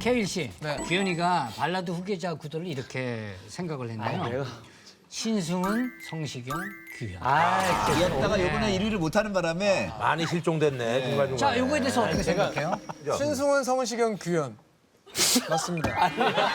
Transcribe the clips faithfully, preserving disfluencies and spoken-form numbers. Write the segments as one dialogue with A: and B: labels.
A: 케일 씨,
B: 네.
A: 규현이가 발라드 후계자 구도를 이렇게 생각을 했나요? 신승훈, 성시경, 규현.
C: 이었다가 이번에 일 위를 못하는 바람에
D: 많이 실종됐네 중간중간.
A: 자, 요거에 대해서 어떻게 생각해요?
B: 신승훈, 성시경, 규현. 맞습니다.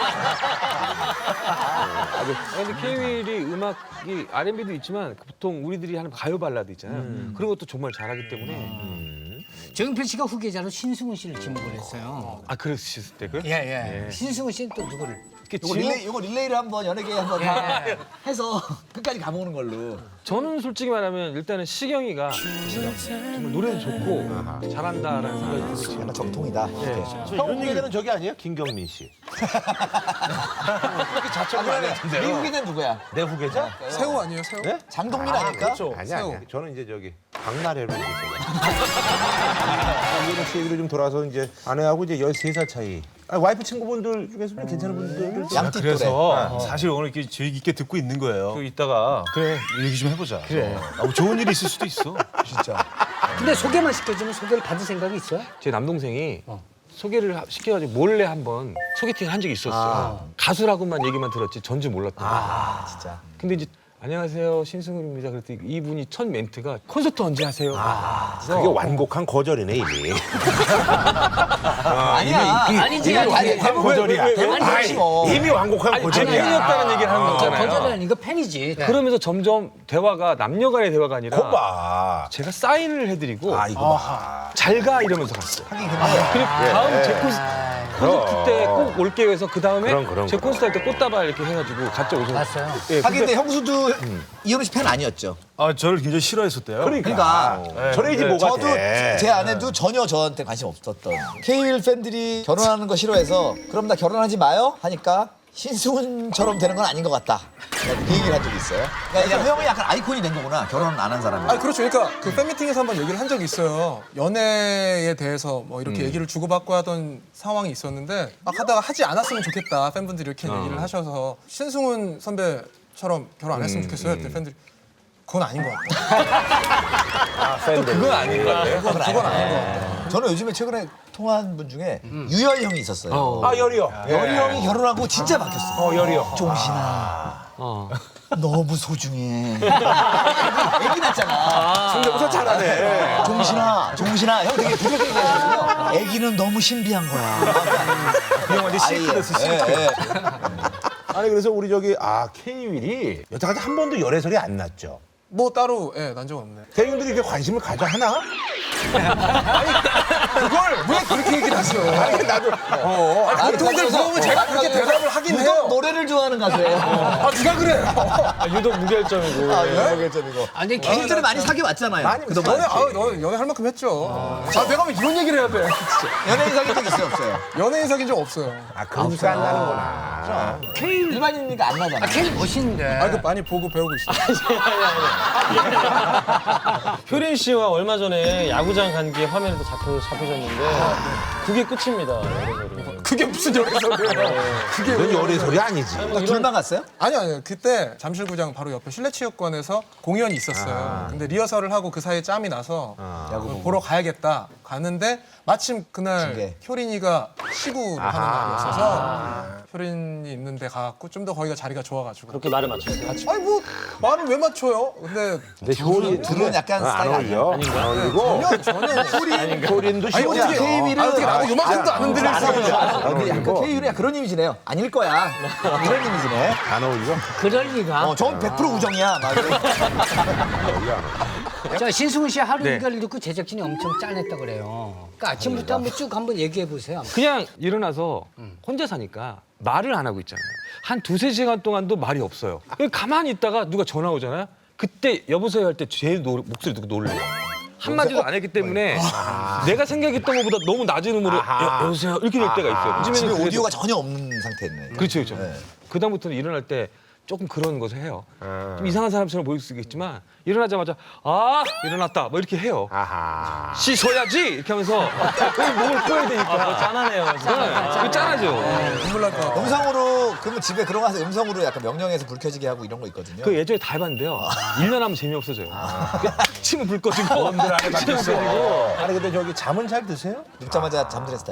E: 근데 케이윌이 음악이 알앤비도 있지만 보통 우리들이 하는 가요 발라드 있잖아요. 그런 것도 정말 잘하기 때문에.
A: 정필 씨가 후계자로 신승훈 씨를 지목을 했어요.
E: 아 그랬을 때 그?
A: 예, 예. 신승훈 씨는 또 누구를?
C: 이거 릴레이, 이거 릴레이를 한번 연예계에 한번 다 해서 끝까지 가보는 걸로.
E: 저는 솔직히 말하면 일단은 시경이가 정말 노래도 좋고 잘한다라는 생각이 들고 지금.
C: 약간 정통이다.
D: 형 후계자는 저기 아니에요? 김경민 씨. 그렇게 자처를 많이 했는데요.
C: 미국인은 누구야?
D: 내 후계자?
B: 새우 아니에요, 새우?
D: 네?
C: 장동민 아닐까?
D: 아니
B: 새우.
D: 아니. 저는 이제 저기 박나래로 얘기했어요. 이런 씨 얘기로 좀 돌아서 이제 아내하고 이제 열세 살 차이. 아, 와이프 친구분들 중에서 좀 괜찮은 분들
C: 양띠 또래.
F: 그래서 사실 오늘 이렇게 주의 깊게 듣고 있는 거예요. 그 이따가 그래 얘기 좀 해보자. 그래. 아, 뭐 좋은 일이 있을 수도 있어. 진짜.
A: 근데 소개만 시켜주면 소개를 받을 생각이 있어요?
E: 제 남동생이 소개를 하- 시켜가지고 몰래 한번 소개팅을 한 적이 있었어요. 가수라고만 얘기만 들었지 전지 몰랐던 거예요.
C: 아, 진짜.
E: 근데 이제 안녕하세요 신승훈입니다. 그랬더니 이분이 첫 멘트가 콘서트 언제 하세요?
D: 그게 완곡한 거절이네 이미.
C: 아니야.
A: 아니지,
C: 아니,
A: 아니지.
C: 대부분
D: 거절이야.
C: 대부분 그렇지 뭐.
D: 이미 완곡한
E: 아니
D: 거절이야.
E: 팬이었다는 얘기를 하는
A: 저
E: 거잖아요.
A: 거절이 아니고 팬이지.
E: 그러면서 점점 대화가 남녀간의 대화가 아니라
D: 거봐.
E: 제가 사인을 해드리고
D: 아 이거 봐.
E: 잘 가 이러면서 갔어요.
C: 하긴 근데
E: 그리고 다음 제 콘서트, 콘서트 때 꼭 올게요 해서 그 다음에
D: 그럼, 그럼,
E: 제
D: 그럼.
E: 콘서트 할 때 꽃다발 이렇게 해가지고 같이 오셔서
A: 봤어요.
E: 예,
C: 하긴
E: 근데
C: 근데 형수도 이현우 씨 팬 아니었죠?
F: 아 저를 굉장히 싫어했었대요.
C: 그러니까
D: 저래야지 뭐가
C: 저도
D: 돼.
C: 제 아내도 전혀 저한테 관심 없었던 케이윌 팬들이 결혼하는 거 싫어해서 그럼 나 결혼하지 마요 하니까 신승훈처럼 되는 건 아닌 것 같다. 그 얘기를 한 적이 있어요. 그러니까 형이 약간 아이콘이 된 거구나. 결혼 안 한 사람이.
B: 아 그렇죠. 그러니까 그 팬미팅에서 한번 얘기를 한 적이 있어요. 연애에 대해서 뭐 이렇게 얘기를 주고받고 하던 상황이 있었는데 막 하다가 하지 않았으면 좋겠다. 팬분들이 이렇게 얘기를 하셔서 신승훈 선배처럼 결혼 안 했으면 좋겠어요. 그때 팬들이 그건 아닌 것 같다.
E: 또 그건 아닌 것 같아요.
C: 그건, 그건 아닌 것 같다. 저는 요즘에 최근에 통화한 분 중에 유열 형이 있었어요.
D: 아 열이요.
C: 열이 형이 결혼하고 진짜 바뀌었어.
D: 어 열이요.
C: 종신아.
E: 어.
C: 너무 소중해. 애기 낳잖아.
D: 성대모사 잘하네.
C: 종신아, 종신아. 형 되게 부드럽게 얘기하거든요. 애기는 너무 신비한 거야.
F: 그 형한테 실크 됐어 실크.
C: 예, 예.
D: 아니 그래서 우리 저기 아 케이윌이 여태까지 한 번도 열애설이 안 났죠.
B: 뭐 따로 예, 난 적 없네.
D: 대중들이 이렇게 관심을 가져 하나?
B: 그걸 왜 그렇게 얘기를 하세요?
D: 아니 나도 어,
B: 아, 보통들 물어보면 제가 그렇게 대답을 하긴
C: 유독
B: 해요.
C: 노래를 좋아하는 가수예요.
B: 아 누가 그래요?
E: 유독 무결점이고.
C: 아, 유명했잖아요.
A: 아니,
C: 개인적으로 많이 사귀어왔잖아요.
B: 연애,
C: 그동안.
B: 아, 너 연애 할 만큼 했죠. 아, 내가 왜 이런 얘기를 해야 돼?
C: 연예인 사귄 적 있어요, 없어요?
B: 연예인 사귄 적 없어요.
D: 아 금수 안 나는구나.
A: 케일,
C: 일반인이니까 안 나잖아.
A: 아, 케일 멋있는데.
B: 아, 그 많이 보고 배우고 있어요.
G: 효린 씨와 얼마 전에 야구장 간 게 화면에도 잡혀, 잡히셨는데 그게 끝입니다. 열애설이.
B: 그게 무슨 연애설이에요? 그게
D: 그건
B: 왜
D: 열애설이 아니지.
C: 둘만 갔어요?
B: 아니요, 아니요. 그때 잠실구장 바로 옆에 실내체육관에서 공연이 있었어요. 근데 리허설을 하고 그 사이에 짬이 나서 그걸 보러 가야겠다. 갔는데 마침 그날
C: 징계.
B: 효린이가 시구를 하는 날이었어서 효린이 있는데 가갖고 좀 더 거기가 자리가 좋아가지고.
G: 그렇게 말을 맞췄어요.
B: 아니 뭐 말을 왜 맞춰요? 근데
D: 근데 효린
C: 둘은 약간
D: 안
C: 스타일 아니야.
D: 어울려. 안 어울리고
B: 전혀 전혀 효린
D: 효린도
B: 아니
D: 시원해.
B: 어떻게
C: 케이윌은
B: 아니, 어떻게 나도 요만큼도 안 흔들릴 수 있는
C: 아, 근데 약간 케이윌이 그런 이미지네요. 아닐 거야. 이런 이미지네.
D: 안 어울리고.
A: 그럴 리가.
C: 어, 저건 백 퍼센트 우정이야. 막 이런.
A: 자, 신승훈 씨 하루
E: 네.
A: 일과를 듣고 제작진이 엄청 짠했다 그래요. 그러니까 아침부터 한번 쭉 한번 얘기해 보세요.
E: 그냥 일어나서 혼자 사니까 말을 안 하고 있잖아요. 한 두세 시간 동안도 말이 없어요. 그냥 가만히 있다가 누가 전화 오잖아요. 그때 여보세요 할 때 제일 노, 목소리 듣고 놀래요. 한마디도 안 했기 때문에 내가 생각했던 것보다 너무 낮은 음으로 여, 여보세요 이렇게 될 때가 있어요.
C: 집에
E: 요즘에는 그래도-
C: 오디오가 전혀 없는 상태였네.
E: 그렇죠, 그렇죠.
C: 네.
E: 그다음부터는 일어날 때 조금 그런 것을 해요. 좀 이상한 사람처럼 보일 수 있겠지만 일어나자마자 아 일어났다 뭐 이렇게 해요.
D: 아하.
E: 씻어야지 이렇게 하면서 목을 꺼야 되니까
G: 짠하네요.
E: 네, 그 짠하죠.
B: 눈물 날 것 같아.
C: 음성으로 그러면 집에 그런 거 가서 음성으로 약간 명령해서 불 켜지게 하고 이런 거 있거든요.
E: 그 예전에 다 해봤는데요. 일 년 하면 재미없어져요. 딱 치면 불 꺼지고
D: 놈들 안에 박혔어. 아니 근데 저기 잠은 잘 드세요?
C: 눕자마자 잠드는 스타일.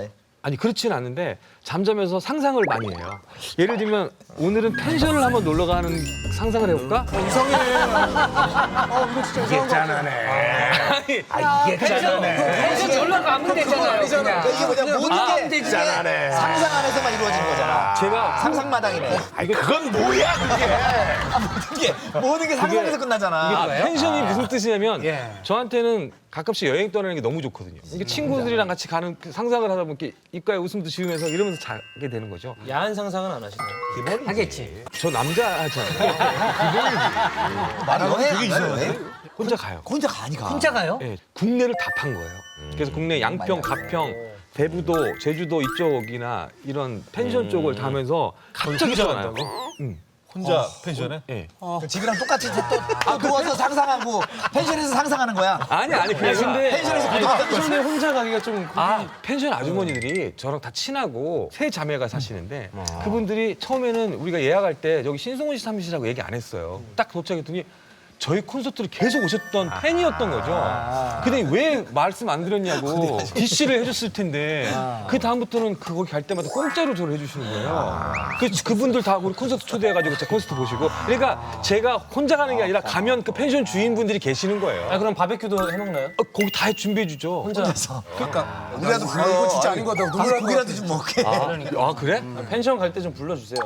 E: 아니 그렇지는 않은데 잠자면서 상상을 많이 해요. 예를 들면 오늘은 펜션을 한번 놀러 가는 상상을 해볼까?
B: 이상해. 어 이거 진짜 이상한 거 같아.
A: 아, 이게 짠하네. 펜션 놀러 가면 되잖아요. 그냥.
C: 그러니까 이게 뭐냐 모든
A: 아,
C: 게
A: 근데 이게
C: 상상 안에서만 이루어지는 거잖아.
E: 제가
C: 상상마당이네.
D: 아니 그건 뭐야 그게?
C: 모든 게 모든 게 상상에서 끝나잖아.
E: 아, 펜션이 무슨 뜻이냐면
A: 예.
E: 저한테는 가끔씩 여행 떠나는 게 너무 좋거든요. 이게 친구들이랑 같이 가는 그 상상을 하다 보니까 입가에 웃음도 지으면서 이러면서 자게 되는 거죠.
G: 야한 상상은 안 하시나요?
A: 하겠지.
E: 저 남자잖아요.
C: 말이 여행 안 가요, 여행?
E: 혼자 가요.
C: 혼자 가니 가.
A: 혼자 가요?
E: 예, 국내를 다 판 거예요. 그래서 국내 양평, 가평, 대부도, 제주도 이쪽이나 이런 펜션 쪽을 다면서 갑자기
F: 혼자
E: 전화요.
F: 간다고?
E: 응.
F: 혼자 펜션에?
E: 예.
C: 그 집이랑 똑같이 또, 또 누워서 상상하고 펜션에서 상상하는 거야.
E: 아니 아니 그게 아니라
G: 근데
C: 펜션에서
G: 아니,
C: 고등학교
G: 펜션에 혼자 가기가 좀
E: 아 펜션 아주머니들이 저랑 다 친하고 세 자매가 사시는데 그분들이 처음에는 우리가 예약할 때 여기 신승훈 씨 사무실이라고 얘기 안 했어요. 딱 도착했더니 저희 콘서트를 계속 오셨던 팬이었던 거죠. 근데 왜 말씀 안 드렸냐고 디씨를 해줬을 텐데 그 다음부터는 그 거기 갈 때마다 공짜로 저를 해주시는 거예요. 그 그분들 다 우리 콘서트 초대해가지고 제 콘서트 보시고 그러니까 제가 혼자 가는 게 아니라 가면 그 펜션 주인분들이 계시는 거예요.
G: 아 그럼 바베큐도 해먹나요?
E: 어, 거기 다 준비해 주죠.
G: 혼자
B: 그러니까
C: 우리라도 불러.
B: 아, 이거 진짜 아닌 것 같아.
C: 가서
B: 눈물
C: 고기라도 좀 먹게.
E: 아 그래?
G: 펜션 갈 때 좀 불러주세요.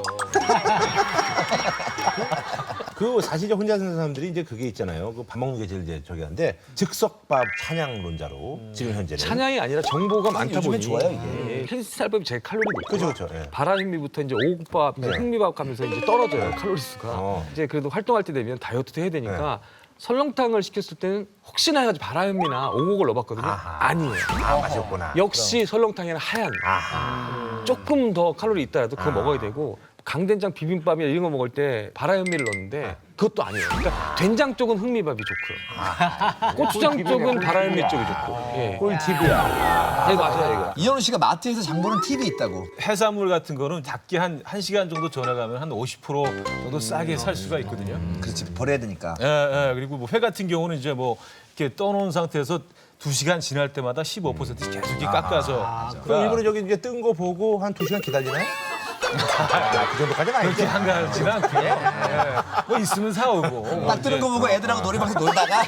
D: 그 사실 이제 혼자 사는 사람들이 이제 그게 있잖아요. 그 밥 먹는 게 제일 이제 저기 한데 즉석밥 찬양론자로 지금 현재는.
E: 찬양이 아니라 정보가 많다
C: 요즘엔
E: 보니
C: 좋아요, 이게.
E: 헬스살밥이 제일 칼로리 높고
D: 그렇죠, 그렇죠. 예.
E: 바라현미부터 이제 오곡밥, 이제 흑미밥 가면서 이제 떨어져요 칼로리 수가.
D: 어.
E: 이제 그래도 활동할 때 되면 다이어트도 해야 되니까 설렁탕을 시켰을 때는 혹시나 해가지고 바라현미나 오곡을 넣어봤거든요.
D: 아하.
E: 아니에요.
D: 아 맛있구나.
E: 역시 설렁탕에는 하얀.
D: 아하.
E: 조금 더 칼로리 있다라도 그거 먹어야 되고 강된장 비빔밥이나 이런 거 먹을 때 바라현미를 넣는데 그것도 아니에요. 그러니까 된장 쪽은 흑미밥이 좋고요. 고추장 쪽은 바라현미 쪽이 좋고. 예.
D: 꿀팁이야.
E: 네, 맞아요, 이거.
C: 이현우 씨가 마트에서 장 보는 팁이 있다고.
F: 해산물 같은 거는 작게 한, 한 시간 정도 전화 가면 한 오십 퍼센트 정도 싸게 살 수가 있거든요.
C: 그렇지 버려야 되니까.
F: 예, 예. 그리고 뭐 회 같은 경우는 이제 뭐 이렇게 떠놓은 상태에서 두 시간 지날 때마다 십오 퍼센트 계속 이렇게 깎아서.
D: 그럼 일부러 저기 이제 뜬 거 보고 한 두 시간 기다리나요? 아, 그 정도까지는
F: 그렇게
D: 아니죠.
F: 한가하지는 않고요. 예. 뭐 있으면 사오고.
C: 딱 뜨는 거 보고 애들하고 놀이방에서 놀다가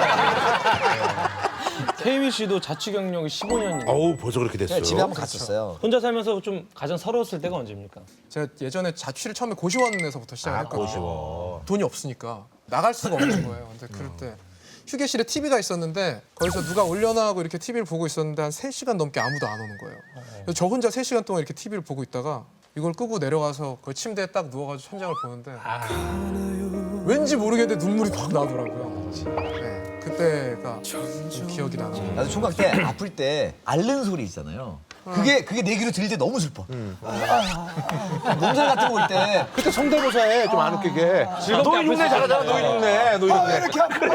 G: 케이윌 씨도 자취 경력이 십오 년이에요.
D: 어우 벌써 그렇게 됐어요.
C: 집에 한번 갔었어요.
G: 혼자 살면서 좀 가장 서러웠을 때가 언제입니까?
B: 제가 예전에 자취를 처음에 고시원에서부터 시작을
D: 아,
B: 했거든요.
D: 고시원.
B: 돈이 없으니까 나갈 수가 없는 거예요. 근데 그럴 때 휴게실에 티비가 있었는데 거기서 누가 올려놔 하고 이렇게 티비를 보고 있었는데 한 세 시간 넘게 아무도 안 오는 거예요. 그래서 저 혼자 세 시간 동안 이렇게 티비를 보고 있다가 이걸 끄고 내려가서 그 침대에 딱 누워가지고 천장을 보는데 왠지 모르겠는데 눈물이 막 나더라고요. 네, 그때가 좀 기억이 나요.
C: 나도 총각 때 아플 때 앓는 소리 있잖아요. 그게 그게 내 귀로 들릴 때 너무 슬퍼. 아, 아, 아. 몸살 같은 거 올 때.
D: 그때 성대모사에 좀 안 웃기게. 노인 흉내 잘하잖아. 노인 흉내. 노인
C: 아, 왜
D: 흉내.
C: 이렇게 아프냐.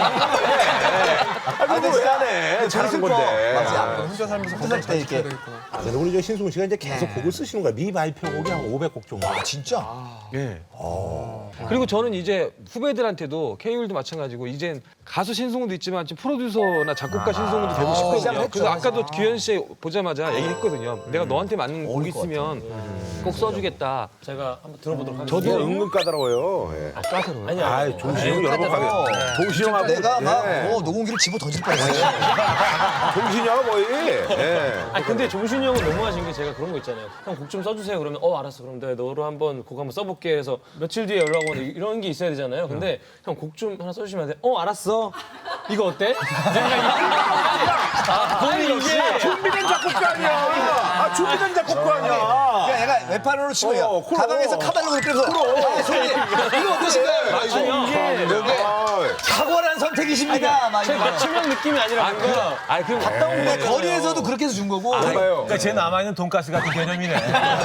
D: 아, 근데 왜 안 해? 잘하는 건데.
C: 맞아.
B: 혼자 살면서
C: 혼자 살때 이렇게.
B: 되겠구나.
D: 아, 근데 우리 저 신승훈 씨가 이제 계속 곡을 쓰시는 거야. 미발표곡이 한 오백 곡 정도.
C: 아 진짜?
E: 예. 그리고 저는 이제 후배들한테도 케이윌도 마찬가지고 이젠 가수 신승훈도 있지만 지금 프로듀서나 작곡가 신승훈도 되고 싶거든요.
C: 시작했죠.
E: 그래서 아까도 규현 씨 보자마자 얘기했거든요. 내가 너한테 맞는 곡
C: 어울릴 것
E: 있으면 꼭 써주겠다.
G: 제가 한번 들어보도록 하겠습니다.
D: 저도 은근 까다로워요. 예.
E: 아, 까다로워요?
G: 아니요.
D: 아, 종신이 형 여러 번
C: 까다로워.
D: 가게. 종신이 형하고
C: 내가 막
D: 예.
C: 어, 녹음기를 집어 던질 뻔했어요.
D: 종신이 형하고 거의. 예.
G: 아 근데 종신이 형은 너무하신 게 제가 그런 거 있잖아요. 형 곡 좀 써주세요. 그러면 어 알았어. 그럼 내가 너로 한번 곡 한번 써볼게 해서 며칠 뒤에 연락 오는 이런 게 있어야 되잖아요. 근데 형 곡 좀 하나 써주시면 안 돼? 어 알았어. 이거 어때? 아 본인 이게
D: 준비된 작곡가 아니야. 아, 준비된 작곡가 아니야.
C: 그러니까 얘가 웹판으로 치고요.
D: 어, 그럼.
C: 가방에서 카달로그 그래서 아, 소리 이거 어떠신가요?
G: 맞추면 이게
D: 아,
C: 탁월한 선택이십니다. 막
G: 제
C: 이거.
G: 맞추면 느낌이 아니라 뭔가
E: 아, 그럼
C: 근데 거리에서도 그렇게 해서 준 거고.
F: 그러니까 제 남아있는 돈가스 같은 개념이네.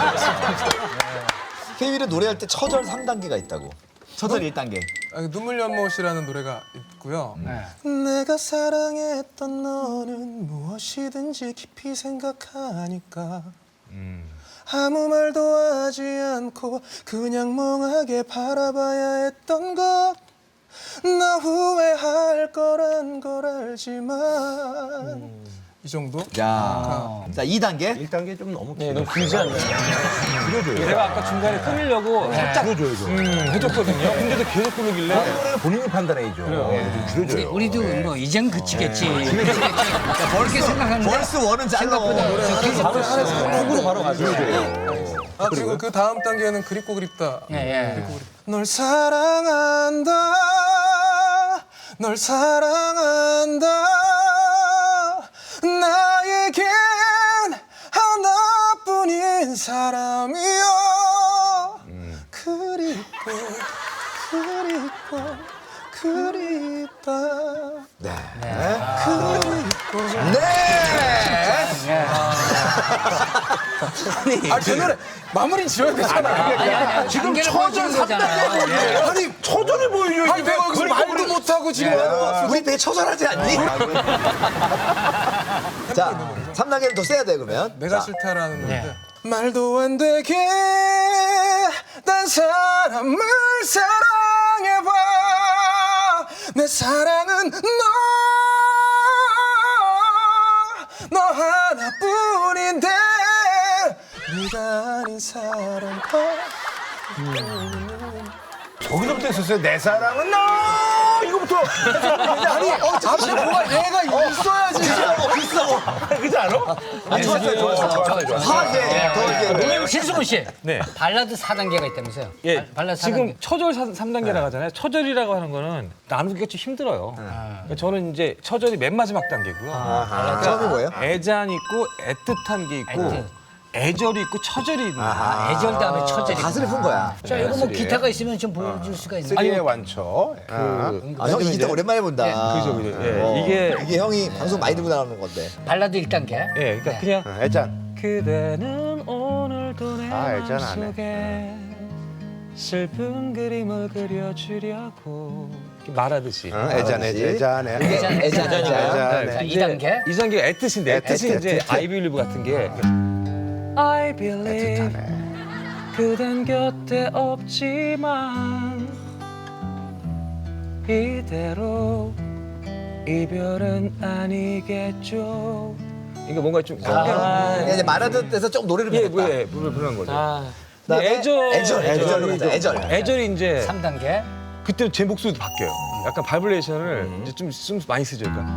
C: 케이윌은 노래할 때 처절 삼 단계가 있다고. 처절 일 단계.
B: 아, 눈물 연못이라는 노래가 있고요. 내가 사랑했던 너는 무엇이든지 깊이 생각하니까 아무 말도 하지 않고 그냥 멍하게 바라봐야 했던 것 나 후회할 거란 걸 알지만 이 정도?
C: 자, 자 이 단계.
D: 일 단계 좀 너무
G: 네, 너무 길지 않나요?
D: 줄여줘요.
E: 내가 아까 중간에 끊으려고 살짝
D: 줄여줘야죠.
E: 음, 해줬거든요. 근데도 계속 부르길래
D: 이거는 본인이 판단해야죠. 네, 좀 줄여줘요.
A: 우리도 뭐 이젠 그치겠지. 그치겠지. 그렇게 생각하는데
C: 벌스 원은 짧아.
G: 훅으로 바로 가죠.
B: 아 그리고 그 다음 단계는 그립고 그립다.
A: 예, 예.
B: 그립고 그립다. 널 사랑한다. 널 사랑한다. 나에겐 하나뿐인 사람이여. 그립고 그립고 그립다.
C: 네.
B: 그립고.
C: 네.
B: 아, 제 노래 마무리 지어야 되잖아.
A: 지금 처절 거잖아요.
B: 아니, 초전을 보여줘. 아니, 내가 여기서 말도 못하고 지금 하는 거.
C: 우리 되게 처절하지 않니? 자, 삼 단계는 더 세야 돼 그러면.
B: 내가
C: 자,
B: 싫다라는 건데. 말도 안 되게 딴 사람을 사랑해봐. 내 사랑은 너, 너 하나뿐인데 네가 아닌 사람과
D: 거기서부터 했었어요. 내 사랑은 너 이거부터.
B: 아니 어, 앞에 뭐가 얘가 있어야지.
C: 비싸고.
D: 그지 않아?
C: 아, 좋았어요, 좋았어요. 좋았어요. 화제, 더 이제.
A: 신승훈 씨.
E: 네.
A: 발라드 사 단계가 있다면서요?
E: 예,
A: 발라드 사
E: 지금
A: 단계.
E: 처절 삼 단계라고 하잖아요. 처절이라고 하는 거는 나누기가 좀 힘들어요. 그러니까 저는 이제 처절이 맨 마지막 단계고요.
C: 처음이 뭐예요?
E: 애잔 있고 애틋한 게 있고
A: 애틋.
E: 애절이 있고 처절이 있는 거예요.
A: 아, 애절 다음에 처절이.
C: 가수를 푼 거야.
A: 자, 이거 뭐 기타가 있으면 좀 보여줄 수가 있나요?
D: 쓰리의 완초. 아.
C: 아, 형 이 기타 오랜만에 본다.
E: 그죠, 그죠. 예,
C: 어,
E: 이게
C: 이게 형이 방송 많이 듣고 나오는 건데.
A: 발라드 일 단계.
E: 예, 그러니까 그냥
D: 아, 애잔.
E: 그대는 오늘도 내
D: 아, 알잖아, 안 해.
E: 마음속에 슬픈 그림을 그려주려고 이렇게 말하듯이.
D: 어, 애잔, 애잔, 애잔.
C: 애잔, 애잔, 애잔.
D: 애잔.
A: 자, 이 단계.
E: 이 단계가 애뜻인데 애뜻이
C: 애뜻,
E: 이제
C: 애뜻.
E: I believe 같은 게 I believe 그댄 곁에 없지만 이대로 이별은 아니겠죠. 이거 뭔가 좀
C: 그냥 이제 말하던 데서 좀 노래를
E: 예,
C: 부르겠다.
E: 예, 부르 부르는 거죠.
G: 아,
E: 근데
C: 그다음에
E: 애절,
C: 애절, 애절로 가자, 애절.
E: 애절이 이제
A: 삼 단계.
E: 그때 제 목소리도 바뀌어요. 약간 바이브레이션을 이제 좀, 좀 많이 쓰죠. 그러니까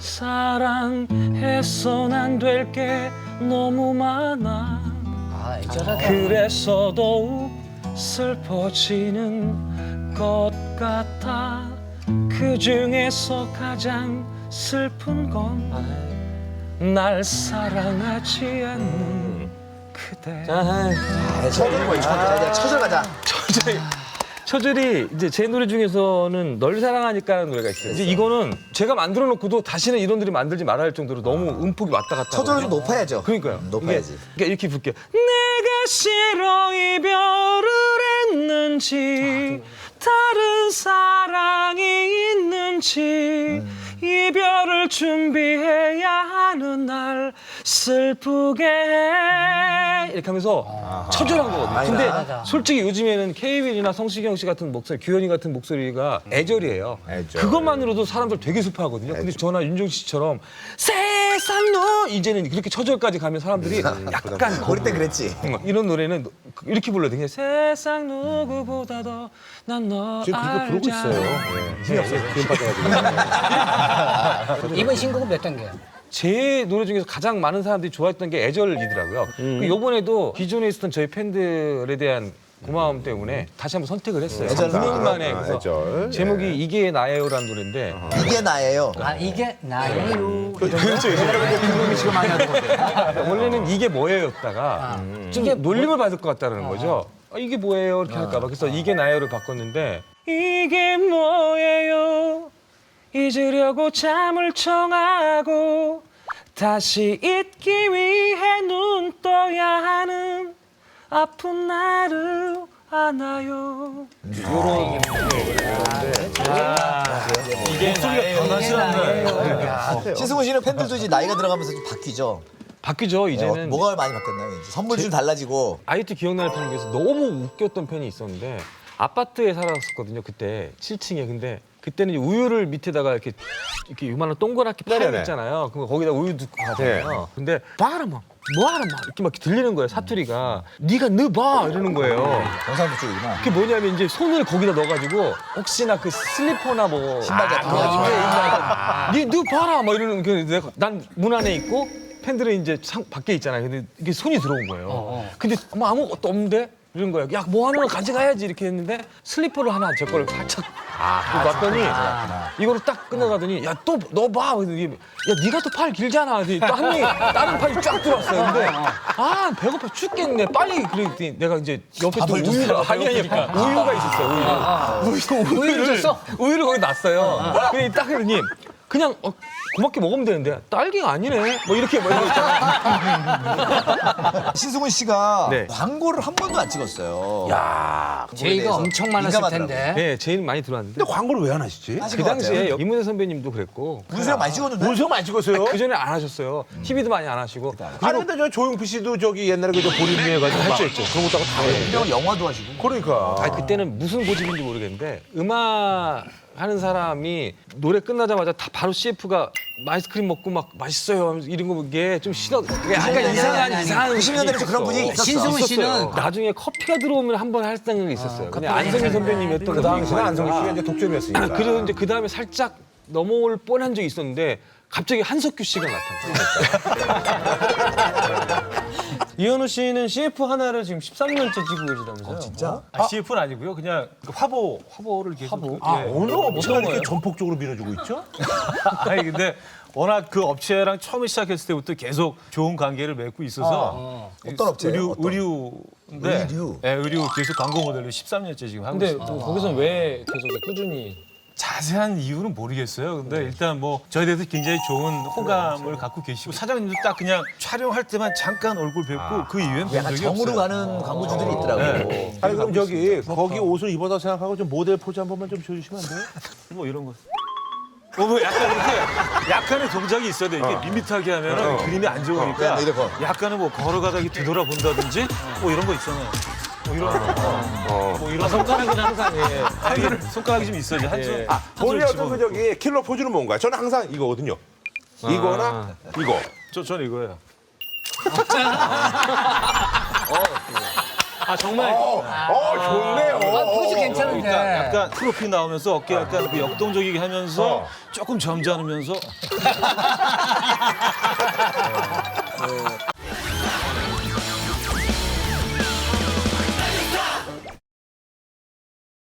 E: 사랑해선 안 될 게 너무 많아.
A: 아, 애절하다.
E: 그래서 더욱 슬퍼지는 것 같아. 그 중에서 가장 슬픈 건 날 사랑하지 않는 그대.
G: 아,
C: 아, 처절 거야, 처절. 처절 가자.
E: 처절이, 처절이 이제 제 노래 중에서는 널 사랑하니까라는 노래가 있어요. 이제 이거는 제가 만들어 놓고도 다시는 이런 노래 만들지 말아야 할 정도로 너무 음폭이 왔다 갔다.
C: 처절은 좀 높아야죠.
E: 그러니까요.
C: 음, 높아야지.
E: 이게, 그러니까 이렇게 부를게요. 내가 싫어 이별을 했는지 다른 사랑이 있는지 이별을 준비해야 하는 날 슬프게 해 이렇게 하면서 처절한 거거든요. 근데
A: 맞아.
E: 솔직히 요즘에는 케이윌이나 성시경 씨 같은 목소리, 규현이 같은 목소리가 애절이에요.
D: 애절.
E: 그것만으로도 사람들 되게 슬퍼하거든요. 근데 저나 윤종신 씨처럼 세상 너 이제는 그렇게 처절까지 가면 사람들이 약간
C: 우리 때 그랬지.
E: 이런 노래는 이렇게 불러도 그냥 세상 누구보다도 난 너
D: 지금 그렇게 부르고 있어요. 예. 힘이 없어요. 기운 빠져가지고.
A: 이번 신곡은 몇 단계야?
E: 제 노래 중에서 가장 많은 사람들이 좋아했던 게 애절이더라고요. 그 이번에도 기존에 있었던 저희 팬들에 대한 고마움 때문에 다시 한번 선택을 했어요.
C: 애절
E: 구 년 만에.
D: 아,
E: 그래서
D: 애절.
E: 제목이 이게 나예요라는 노래인데
C: 이게 나예요.
A: 아, 이게 나예요.
E: 그렇죠. 김동민 씨가 많이 하는 건데. 원래는 이게 뭐예요였다가 좀 놀림을 받을 것 같다는 거죠. 아, 이게 뭐예요? 이렇게 할까 봐. 그래서 이게 나예요를 바꿨는데 이게 뭐예요? 잊으려고 잠을 청하고 다시 잊기 위해 눈 떠야 하는 아픈 나를 안아요.
C: 신승훈 씨는 팬들도 이제 나이가 들어가면서 좀 바뀌죠.
E: 바뀌죠.
C: 어,
E: 이제는
C: 뭐가 많이 바뀌었나요? 이제 선물이 좀 달라지고.
E: 아이트 기억나는 편 중에서 너무 웃겼던 팬이 있었는데 아파트에 살았었거든요. 그때 칠 층에. 근데 그때는 이제 우유를 밑에다가 이렇게 이렇게 요만한 동그랗게
D: 네네네.
E: 파였잖아요. 그럼 거기다 우유 넣고 가잖아요. 근데 봐라 막 뭐하라 막 이렇게 막 들리는 거예요. 사투리가 네가 넣어봐 이러는 거예요.
C: 경상도 쪽이구나.
E: 그게 뭐냐면 이제 손을 거기다 넣어가지고 혹시나 그 슬리퍼나 뭐
C: 신발 같은 거.
E: 아, 입에 있나 네, 너 봐라 막 이러는 그 내가 난 문 안에 있고 팬들은 이제 상, 밖에 있잖아요. 근데 이게 손이 들어온 거예요. 근데 뭐 아무것도 없는데 이런 거예요. 야 뭐 하나 가져가야지 이렇게 했는데 슬리퍼를 하나 제 거를 살짝 아, 놨더니 이거를 딱 끝나가더니 야 또 너 봐. 이게 야 네가 또 팔 길잖아. 또 한 명이 다른 팔이 쫙 들어왔어요. 근데 아 배고파 죽겠네. 빨리 그랬더니 내가 이제 옆에 또 우유가 아니 아니 우유가 있었어요. 우유. 우유 우유를 줬어? 우유를 거기 놨어요. 그래 딱 그러니 그냥 어, 고맙게 먹으면 되는데 딸기가 아니네. 뭐 이렇게 뭐 이런 거 있잖아.
C: 신승훈 씨가
E: 네.
C: 광고를 한 번도 안 찍었어요.
E: 야.
A: 제의가 엄청 많았을
C: 민감하더라고요.
A: 텐데.
E: 네, 제일 많이 들어왔는데
D: 근데 광고를 왜 안 하시지?
C: 하신
E: 그
C: 것
E: 당시에
C: 같아요.
E: 이문세 선배님도 그랬고
C: 문수영 많이 찍었는데.
D: 문성 많이 찍었어요?
E: 그 전에 안 하셨어요. 티비도 많이 안 하시고.
D: 아니 근데 저 조용필 씨도 저기 옛날에 그저 보림에 가지고 했죠 했죠. 그런 것도 하고 다 했는데.
C: 형 영화도 하시고.
D: 그러니까.
E: 아 그때는 무슨 고집인지 모르겠는데 음악 하는 사람이 노래 끝나자마자 다 바로 씨에프가 아이스크림 먹고 막 맛있어요 이런 거 이게 좀 싫어. 그게 약간 이상한 이상한
C: 구십 년대에서 그런 분위기 있었어.
A: 신승훈 씨는
E: 있었어요. 나중에 커피가 들어오면 한 번 할 생각이 있었어요. 근데 안성희 선배님이 했던
D: 그 당시는 안성기 씨가
E: 아,
D: 이제 독점이었으니까.
E: 그래서 이제 그 다음에 살짝 넘어올 뻔한 적이 있었는데 갑자기 한석규 씨가 나타났어요.
G: 이현우 씨는 씨에프 하나를 지금 십삼 년째 찍고 계시다면서요?
C: 진짜?
F: 아, 씨에프는 아니고요. 그냥 그 화보 화보를 계속. 화보?
D: 아, 어느 업체가
G: 어떤
D: 이렇게
G: 거예요?
D: 전폭적으로 밀어주고 있죠?
F: 아니 근데 워낙 그 업체랑 처음에 시작했을 때부터 계속 좋은 관계를 맺고 있어서
C: 어떤 업체예요?
F: 의류
C: 어떤?
F: 의류인데
C: 의류?
F: 네, 의류 계속 광고 모델로 십삼 년째 지금 하고
G: 근데
F: 있습니다.
G: 뭐 거기서는 왜 계속 꾸준히
F: 자세한 이유는 모르겠어요. 근데 일단 뭐 저에 대해서 굉장히 좋은 호감을 갖고 계시고 사장님도 딱 그냥 촬영할 때만 잠깐 얼굴 뵙고 그 이후엔 본
C: 약간
F: 적이
C: 정으로
F: 없어요.
C: 가는 광고주들이 있더라고요.
F: 네.
D: 아니 그럼 저기 거기 옷을 입어서 생각하고 좀 모델 포즈 한 번만 좀 줘주시면 안 돼요?
F: 뭐 이런 거. 어, 뭐 약간 이렇게 약간의 동작이 있어야 돼. 이렇게 밋밋하게 하면 그림이 안 좋으니까
C: 어. 이렇게.
F: 약간은 뭐 걸어가다 이렇게 뒤돌아본다든지 뭐 이런 거 있잖아요. 뭐 이런 거. 뭐 이런
G: 손가락은 항상 예.
F: 아, 이게 손가락이 좀 있어야지. 한 손.
G: 예.
F: 아,
D: 본인의 어떤 그 저기 킬러 포즈는 뭔가요? 저는 항상 이거거든요. 이거나 이거.
F: 저, 저는 이거예요.
G: 아 정말
D: 어, 좋네요.
A: 아, 포즈 괜찮은데.
F: 그러니까 약간 프로필 나오면서 어깨 약간 그 역동적이게 하면서
D: 어.
F: 조금 점잖으면서